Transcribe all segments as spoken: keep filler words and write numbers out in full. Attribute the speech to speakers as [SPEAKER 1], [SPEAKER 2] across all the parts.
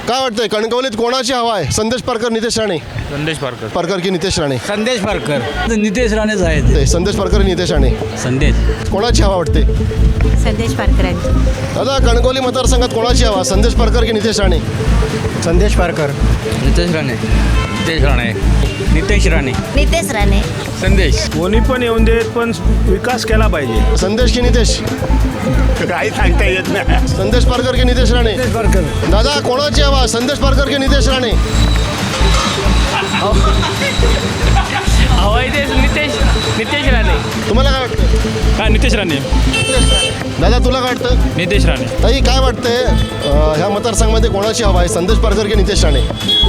[SPEAKER 1] काय वाटतंय कणकवलीत कोणाची हवा आहे? संदेश पारकर, नितेश राणे?
[SPEAKER 2] संदेश पारकर.
[SPEAKER 1] पारकर की नितेश राणे?
[SPEAKER 3] संदेश पारकर. नितेश राणेच आहेत.
[SPEAKER 1] ते संदेश पारकर, नितेश राणे.
[SPEAKER 3] संदेश.
[SPEAKER 1] कोणाची हवा वाटते?
[SPEAKER 4] संदेश पारकरांची.
[SPEAKER 1] दादा कणकवली मतदारसंघात कोणाची हवा? संदेश पारकर की नितेश राणे?
[SPEAKER 3] संदेश पारकर. नितेश राणे. नितेश राणे. नितेश राणे.
[SPEAKER 4] नितेश राणे.
[SPEAKER 3] संदेश.
[SPEAKER 2] कोणी पण येऊन देत, पण विकास केला पाहिजे.
[SPEAKER 1] संदेश की नितेश?
[SPEAKER 2] काही सांगता येत नाही.
[SPEAKER 1] संदेश पारकर की नितेश राणे?
[SPEAKER 3] पारकर.
[SPEAKER 1] दादा कोणाची हवा? संदेश पारकर की नितेश राणे?
[SPEAKER 2] हवाई देश नितेश नितेश राणे.
[SPEAKER 1] तुम्हाला काय वाटतं?
[SPEAKER 2] काय नितेश राणे.
[SPEAKER 1] दादा तुला काय वाटतं?
[SPEAKER 2] नितेश राणे.
[SPEAKER 1] ताई काय वाटतंय अं, ह्या मतदारसंघामध्ये कोणाची हवा आहे? संदेश पारकर की नितेश राणे?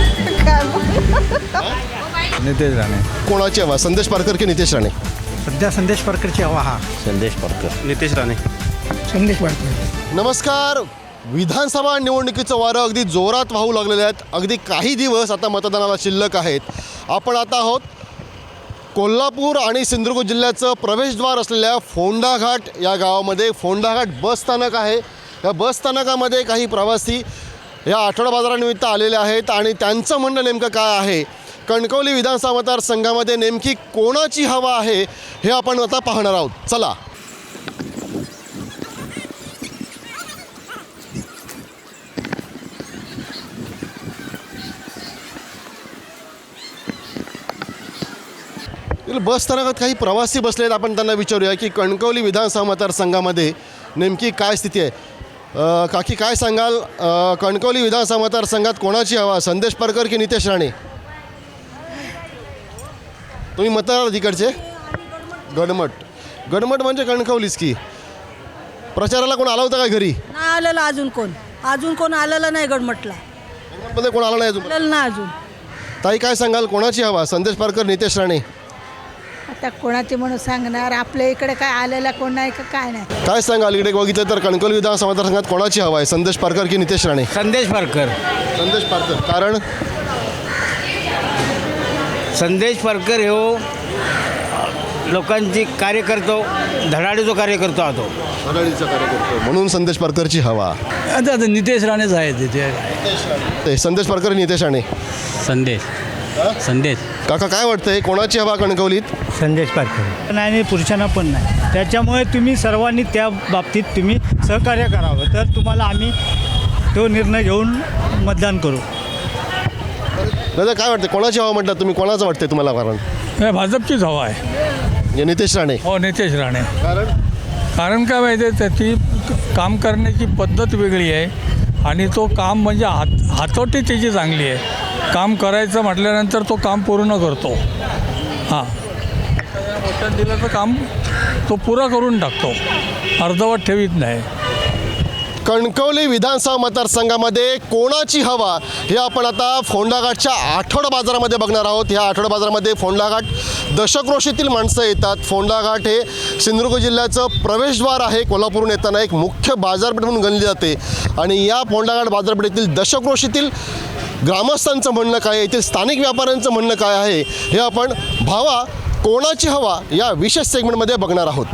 [SPEAKER 3] नितेश राणे.
[SPEAKER 1] कोणाची हवा? संदेश पारकर की नितेश राणे?
[SPEAKER 3] सध्या संदेश पारकरची हवा हा.
[SPEAKER 1] संदेश पारकर.
[SPEAKER 2] नितेश राणे.
[SPEAKER 3] संदेश पारकर.
[SPEAKER 1] नमस्कार. विधानसभा निवडणुकीचं वारं अगदी जोरात वाहू लागलेले आहेत. अगदी काही दिवस आता मतदानाला शिल्लक आहेत. आपण आता आहोत कोल्हापूर आणि सिंधुदुर्ग जिल्ह्याचं प्रवेशद्वार असलेल्या फोंडाघाट या गावामध्ये. फोंडाघाट बस स्थानक आहे. या बस स्थानकामध्ये काही प्रवासी या आठवडा बाजारानिमित्त आलेले आहेत आणि त्यांचं म्हणणं नेमकं काय आहे, कणकवली विधानसभा मतदारसंघामध्ये नेमकी कोणाची हवा आहे हे आपण आता पाहणार आहोत. चला. बस स्थानकात काही प्रवासी बसलेत. आपण त्यांना विचारूया की कणकवली विधानसभा मतदारसंघामध्ये नेमकी काय स्थिती आहे. अ, काकी काय सांगाल, अ, कणकवली विधानसभा मतदारसंघात कोणाची हवा? संदेश पारकर की नितेश राणे? तुम्ही मतदार तिकडचे? गडमट. गडमट म्हणजे कणकवलीच की. प्रचाराला कोण आला होता काय घरी?
[SPEAKER 5] नाही आलेलं अजून कोण अजून कोण आलेलं नाही गडमटला.
[SPEAKER 1] गडमटमध्ये कोण आला नाही अजून?
[SPEAKER 5] आलेलं ना अजून.
[SPEAKER 1] ताई काय सांगाल, कोणाची हवा? संदेश पारकर, नितेश राणे?
[SPEAKER 5] आता कोणाचे म्हणून सांगणार, आपल्या इकडे काय आलेला कोण नाही का काय नाही.
[SPEAKER 1] काय सांगाल, इकडे बघितलं तर कणकवली विधानसभा मतदारसंघात कोणाची हवा आहे? संदेश पारकर की नितेश राणे?
[SPEAKER 3] संदेश पारकर.
[SPEAKER 1] संदेश पारकर. कारण
[SPEAKER 3] संदेश पारकर हो लोकांची कार्य करतो, धडाडीचं कार्य करतो हा तो.
[SPEAKER 1] आघाडीचा कार्यकर्ता म्हणून संदेश पारकरची हवा.
[SPEAKER 3] आता आता नितेश राणेच आहेत तिथे.
[SPEAKER 1] ते संदेश पारकर, नितेश राणे?
[SPEAKER 3] संदेश. संदेश.
[SPEAKER 1] काका काय वाटतंय कोणाची हवा कणकवलीत?
[SPEAKER 6] संदेश पारकर. नाही नाही, पुरुषांना पण नाही. त्याच्यामुळे तुम्ही सर्वांनी त्या बाबतीत तुम्ही सहकार्य करावं, तर तुम्हाला आम्ही तो निर्णय घेऊन मतदान करू.
[SPEAKER 1] दादा काय वाटतं कोणाची हवा म्हटलं तुम्ही? कोणाचं वाटतंय तुम्हाला कारण?
[SPEAKER 7] भाजपचीच हवा आहे.
[SPEAKER 1] नितेश राणे.
[SPEAKER 7] हो, नितेश राणे.
[SPEAKER 1] कारण
[SPEAKER 7] कारण काय माहिती आहे, त्याची काम करण्याची पद्धत वेगळी आहे आणि तो काम म्हणजे हात हातोटी त्याची चांगली आहे. काम करायचं म्हटल्यानंतर तो काम पूर्ण करतो. हां, वचन दिलं तर काम तो पुरा करून टाकतो, अर्धवट ठेवीत नाही.
[SPEAKER 1] कणकवली विधानसभा मतदारसंघामध्ये कोणाची हवा हे आपण आता फोंडाघाटच्या आठवडा बाजारामध्ये बघणार आहोत. ह्या आठवडा बाजारामध्ये फोंडाघाट दशक्रोशीतील माणसं येतात. फोंडाघाट हे सिंधुदुर्ग जिल्ह्याचं प्रवेशद्वार आहे. कोल्हापूरहून येताना एक मुख्य बाजारपेठ म्हणून गणली जाते आणि या फोंडाघाट बाजारपेठेतील दशक्रोशीतील ग्रामस्थांचं म्हणणं काय आहे, येथील स्थानिक व्यापाऱ्यांचं म्हणणं काय आहे हे आपण भावा कोणाची हवा या विशेष सेगमेंटमध्ये बघणार आहोत.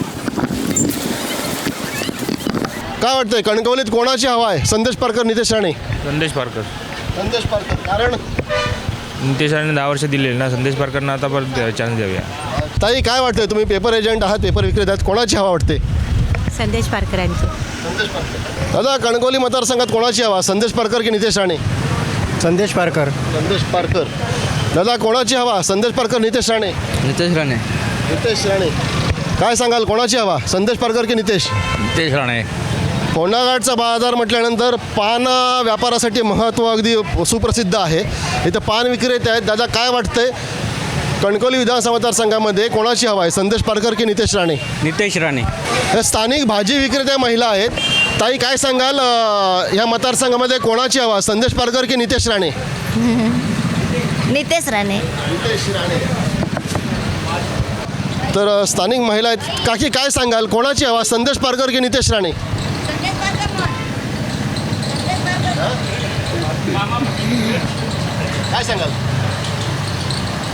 [SPEAKER 1] काय वाटतंय कणकवलीत कोणाची हवा आहे? संदेश पारकर, नितेश राणे?
[SPEAKER 2] संदेश पारकर.
[SPEAKER 1] संदेश पारकर. कारण
[SPEAKER 2] नितेश राणे दहा वर्ष दिलेले ना, संदेश पारकरना आता परत चान्स द्याव्या.
[SPEAKER 1] ताई काय वाटतंय, तुम्ही पेपर एजंट आहात, पेपर विक्रेते आहात, कोणाची हवा वाटते?
[SPEAKER 4] संदेश पारकरांची.
[SPEAKER 1] संदेश पारकर. दादा कणकवली मतदारसंघात कोणाची हवा? संदेश पारकर की नितेश राणे?
[SPEAKER 3] संदेश पारकर.
[SPEAKER 1] संदेश पारकर. दादा कोणाची हवा? संदेश पारकर, नितेश राणे?
[SPEAKER 3] नितेश राणे.
[SPEAKER 1] नितेश राणे. काय सांगाल कोणाची हवा? संदेश पारकर की नितेश?
[SPEAKER 3] नितेश राणे.
[SPEAKER 1] फोंडाघाटचा बाजार म्हटल्यानंतर पान व्यापारासाठी महत्त्व अगदी सुप्रसिद्ध आहे. इथं पान विक्रेते आहेत. दादा काय वाटतंय कणकवली विधानसभा मतदारसंघामध्ये कोणाची हवा आहे? संदेश पारकर की नितेश राणे?
[SPEAKER 3] नितेश राणे.
[SPEAKER 1] या स्थानिक भाजी विक्रेत्या महिला आहेत. ताई काय सांगाल, ह्या मतदारसंघामध्ये कोणाची हवा? संदेश पारकर की नितेश राणे?
[SPEAKER 4] नितेश राणे.
[SPEAKER 1] नितेश राणे. तर स्थानिक महिला आहेत. काकी काय सांगाल कोणाची हवा? संदेश पारकर की नितेश राणे? काय सांगाल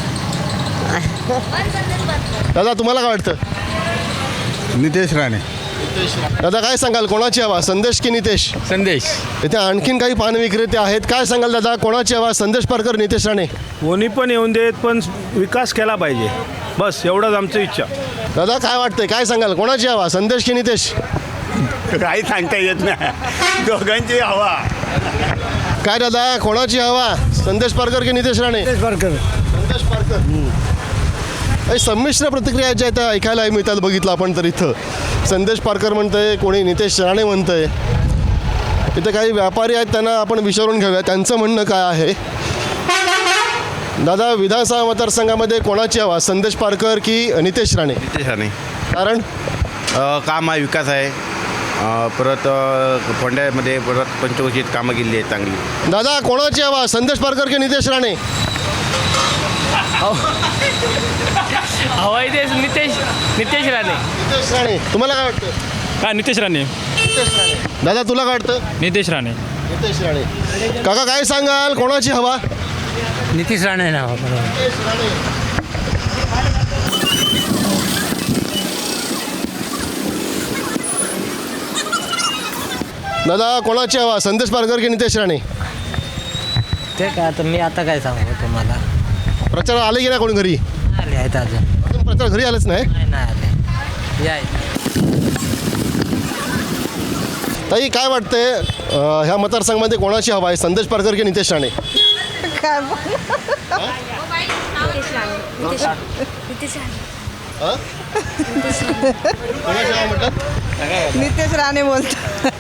[SPEAKER 1] दादा, तुम्हाला काय वाटतं?
[SPEAKER 8] नितेश राणे.
[SPEAKER 1] दादा काय सांगाल कोणाची हवा संदेश की नितेश?
[SPEAKER 8] संदेश.
[SPEAKER 1] इथे आणखीन काही पान विक्रेते आहेत. काय सांगाल दादा कोणाची हवा संदेश पारकर नितेश राणे?
[SPEAKER 9] कोणी पण येऊन देत पण विकास केला पाहिजे, बस एवढंच आमची इच्छा.
[SPEAKER 1] दादा काय वाटतंय काय सांगाल कोणाची हवा संदेश की नितेश?
[SPEAKER 9] काही सांगता येत नाही, दोघांची हवा.
[SPEAKER 1] काय दादा कोणाची हवा संदेश पारकर की नितेश राणे?
[SPEAKER 3] पारकर.
[SPEAKER 1] संदेश पारकर. काही संमिश्र प्रतिक्रिया ज्या आहेत ऐकायला मिळतात. बघितलं आपण तर इथं संदेश पारकर म्हणतंय, कोणी नितेश राणे म्हणतंय. इथं काही व्यापारी आहेत त्यांना आपण विचारून घेऊया त्यांचं म्हणणं काय आहे. दादा विधानसभा मतदारसंघामध्ये कोणाची हवा संदेश पारकर की नितेश राणे?
[SPEAKER 10] नितेश राणे.
[SPEAKER 1] कारण
[SPEAKER 10] अ, काम आहे, विकास आहे. अ, परत अ, फोंड्यामध्ये परत पंचवर्षीत कामं केली आहेत चांगली.
[SPEAKER 1] दादा कोणाची हवा संदेश पारकर की नितेश राणे?
[SPEAKER 8] हवाई देश नितेश नितेश राणे.
[SPEAKER 1] नितेश राणे. तुम्हाला काय वाटतं?
[SPEAKER 8] का नितेश राणे?
[SPEAKER 1] नितेश राणे. दादा तुला काय वाटतं?
[SPEAKER 8] नितेश राणे.
[SPEAKER 1] नितेश राणे. काका काय सांगाल कोणाची हवा?
[SPEAKER 3] नितीश राणे ना.
[SPEAKER 1] नितेश राणे. दादा कोणाची हवा संदेश पारकर की नितेश राणे?
[SPEAKER 3] ते काय आता मी आता काय सांगू तुम्हाला.
[SPEAKER 1] प्रचार आले की नाही कोणी घरी?
[SPEAKER 3] आले आहेत अजून.
[SPEAKER 1] अजून प्रचार घरी आलेच नाही.
[SPEAKER 3] नाही नाही आले. या
[SPEAKER 1] ताई काय वाटतंय अं, ह्या मतदारसंघामध्ये कोणाची हवा आहे संदेश पारकर की नितेश राणे?
[SPEAKER 5] काय
[SPEAKER 1] हं? कोणाची हवा म्हणतात?
[SPEAKER 5] नितेश राणे बोलतो.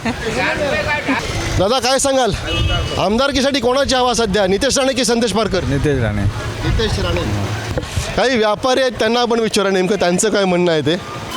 [SPEAKER 1] दादा काय सांगाल आमदारकीसाठी कोणाची हवा सध्या नितेश राणे की संदेश पारकर?
[SPEAKER 7] नितेश राणे.
[SPEAKER 1] नितेश राणे. काही व्यापारी आहेत त्यांना आपण विचारा नेमकं त्यांचं काय म्हणणं आहे ते.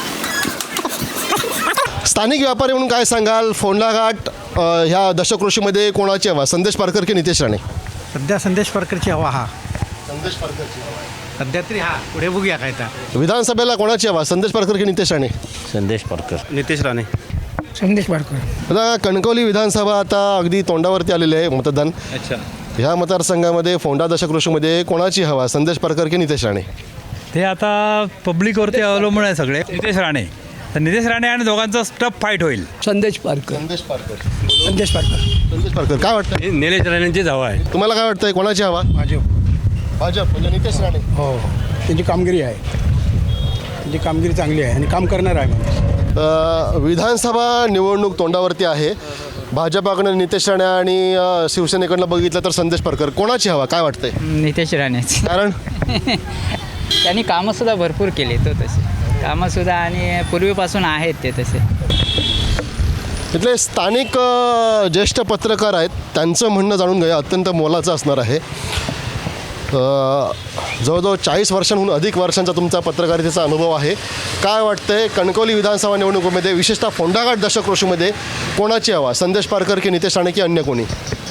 [SPEAKER 1] स्थानिक व्यापारी म्हणून काय सांगाल फोंडा घाट अ, ह्या दशकृषीमध्ये कोणाची हवा संदेश पारकर की नितेश राणे?
[SPEAKER 3] सध्या संदेश पारकरची हवा हा.
[SPEAKER 1] संदेश पारकर.
[SPEAKER 3] सध्या तरी हा. पुढे बघूया काय तर.
[SPEAKER 1] विधानसभेला कोणाची हवा संदेश पारकर की नितेश राणे?
[SPEAKER 10] संदेश पारकर. नितेश राणे.
[SPEAKER 3] संदेश पारकर.
[SPEAKER 1] आता कणकवली विधानसभा आता अगदी तोंडावरती आलेली आहे मतदान.
[SPEAKER 10] अच्छा.
[SPEAKER 1] ह्या मतदारसंघामध्ये फोंडा दशकृषीमध्ये कोणाची हवा संदेश पारकर की नितेश राणे?
[SPEAKER 6] ते आता पब्लिकवरती अवलंबून आहे सगळे. नितेश राणे. तर नितेश राणे आणि दोघांचा टफ फाईट होईल.
[SPEAKER 3] संदेश पारकर.
[SPEAKER 1] संदेश पारकर.
[SPEAKER 3] संदेश पारकर.
[SPEAKER 1] संदेश पारकर. काय वाटतं
[SPEAKER 8] निलेश राणेंचीच हवा आहे.
[SPEAKER 1] तुम्हाला काय वाटतंय कोणाची हवा?
[SPEAKER 3] भाजप.
[SPEAKER 1] भाजप म्हणजे नितेश राणे.
[SPEAKER 3] हो त्यांची कामगिरी आहे. त्यांची कामगिरी चांगली आहे आणि काम करणार आहे माणूस.
[SPEAKER 1] अ, विधानसभा निवडणूक तोंडावरती आहे. भाजपाकडनं नितेश राणे आणि अ, शिवसेनेकडनं बघितलं तर संदेश पारकर. कोणाची हवा काय वाटतंय?
[SPEAKER 11] नितेश राणेच.
[SPEAKER 1] कारण
[SPEAKER 11] त्यांनी कामंसुद्धा भरपूर केले तो तसे कामंसुद्धा आणि पूर्वीपासून आहेत ते तसे.
[SPEAKER 1] इथले स्थानिक अ, ज्येष्ठ पत्रकार आहेत त्यांचं म्हणणं जाणून घ्या अत्यंत मोलाचं असणार आहे. अ, जवळजवळ चाळीस वर्षांहून अधिक वर्षांचा तुमचा पत्रकारितेचा अनुभव आहे. काय वाटतंय कणकवली विधानसभा निवडणुकीमध्ये विशेषतः फोंडाघाट दशकृषीमध्ये कोणाची हवा संदेश पारकर की नितेश राणे की अन्य कोणी?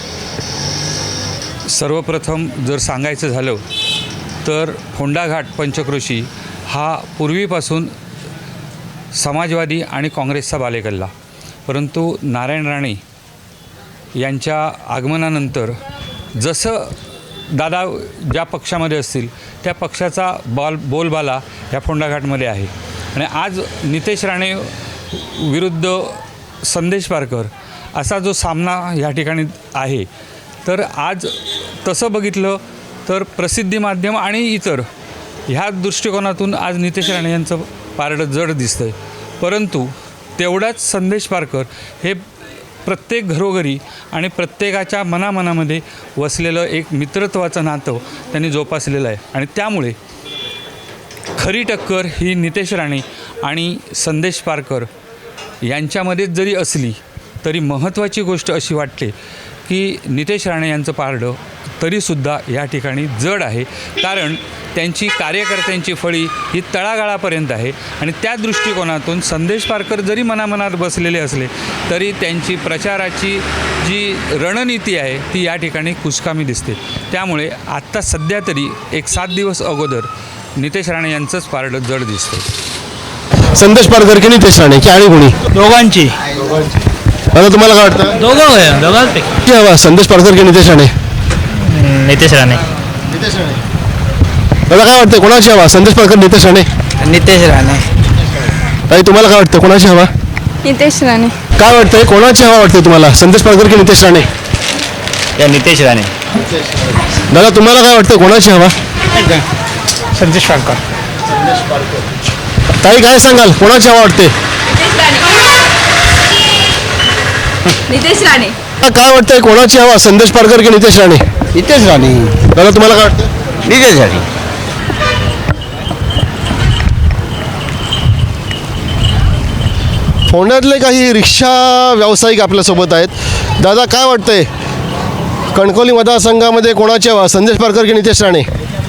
[SPEAKER 12] सर्वप्रथम जर सांगायचं झालं तर फोंडाघाट पंचक्रोशी हा पूर्वीपासून समाजवादी आणि काँग्रेसचा बालेकिल्ला, परंतु नारायण राणे यांच्या आगमनानंतर जसं दादा ज्या पक्षामध्ये असतील त्या पक्षाचा बॉल बोलबाला ह्या फोंडाघाटमध्ये आहे. आणि आज नितेश राणे विरुद्ध संदेश पारकर असा जो सामना ह्या ठिकाणी आहे, तर आज तसं बघितलं तर प्रसिद्धी माध्यम आणि इतर ह्या दृष्टिकोनातून आज नितेश राणे यांचं पारडं जड दिसतं आहे. परंतु तेवढाच संदेश पारकर हे प्रत्येक घरोघरी आणि प्रत्येकाच्या मनामनामध्ये वसलेलं एक मित्रत्वाचं नातं त्यांनी जोपासलेलं आहे. आणि त्यामुळे खरी टक्कर ही नितेश राणे आणि संदेश पारकर यांच्यामध्येच जरी असली तरी महत्त्वाची गोष्ट अशी वाटते की नितेश राणे यांचं पारडं तरीसुद्धा या ठिकाणी जड आहे, कारण त्यांची कार्यकर्त्यांची फळी ही तळागाळापर्यंत आहे. आणि त्या दृष्टिकोनातून संदेश पारकर जरी मनामनात बसलेले असले तरी त्यांची प्रचाराची जी रणनीती आहे ती या ठिकाणी कुचकामी दिसते. त्यामुळे आत्ता सध्या तरी एक सात दिवस अगोदर नितेश राणे यांचंच पारडं जड दिसतं.
[SPEAKER 1] संदेश पारकर की नितेश राणे की आणि कोणी?
[SPEAKER 6] दोघांची.
[SPEAKER 1] आता तुम्हाला काय वाटतं?
[SPEAKER 11] दोघं दोघांपैकी
[SPEAKER 1] की हवा संदेश पारकर की नितेश राणे?
[SPEAKER 11] नितेश राणे.
[SPEAKER 1] नितेश राणे. मला काय वाटतं कोणाची हवा संदेश पारकर नितेश राणे?
[SPEAKER 11] नितेश राणे.
[SPEAKER 1] ताई तुम्हाला काय वाटतं कोणाची हवा?
[SPEAKER 13] नितेश राणे.
[SPEAKER 1] काय वाटतंय कोणाची हवा वाटते तुम्हाला, संदेश पारकर की नितेश राणे?
[SPEAKER 3] या नितेश राणे.
[SPEAKER 1] दादा तुम्हाला काय वाटतं कोणाची हवा?
[SPEAKER 6] संदेश पारकर.
[SPEAKER 1] ताई काय सांगाल कोणाची हवा वाटते?
[SPEAKER 13] नितेश राणे.
[SPEAKER 1] काय वाटतंय कोणाची हवा, संदेश पारकर की नितेश राणे?
[SPEAKER 3] नितेश राणे.
[SPEAKER 1] दादा तुम्हाला काय वाटतं?
[SPEAKER 3] नितेश राणे.
[SPEAKER 1] फोंड्यातले काही रिक्षा व्यावसायिक आपल्यासोबत आहेत. दादा काय वाटतंय कणकवली मतदारसंघामध्ये कोणाची हवा, संदेश पारकर की नितेश राणे?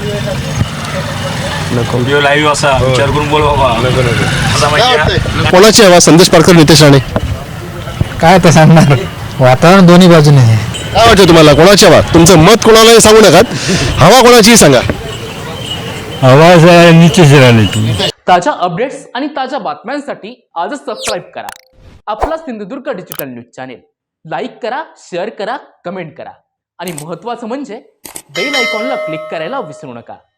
[SPEAKER 9] लाईव्ह असा विचार करून बोल बाबा.
[SPEAKER 1] काय वाटतंय कोणाची हवा, संदेश पारकर नितेश राणे?
[SPEAKER 6] काय तर सांगणार, वातावरण दोन्ही बाजूने आहे.
[SPEAKER 1] काय वाटतं तुम्हाला कोणाची हवा? तुमचं मत कोणालाही सांगू नकात, हवा कोणाचीही सांगा.
[SPEAKER 6] आवाज नितेश राणे.
[SPEAKER 8] ताज्या अपडेट्स आणि ताज्या बातम्यांसाठी आजच सबस्क्राईब करा आपला Sindhudurg digital news channel. Like करा, शेअर करा, कमेंट करा आणि महत्त्वाचं म्हणजे बेल आयकॉनला क्लिक करायला विसरू नका.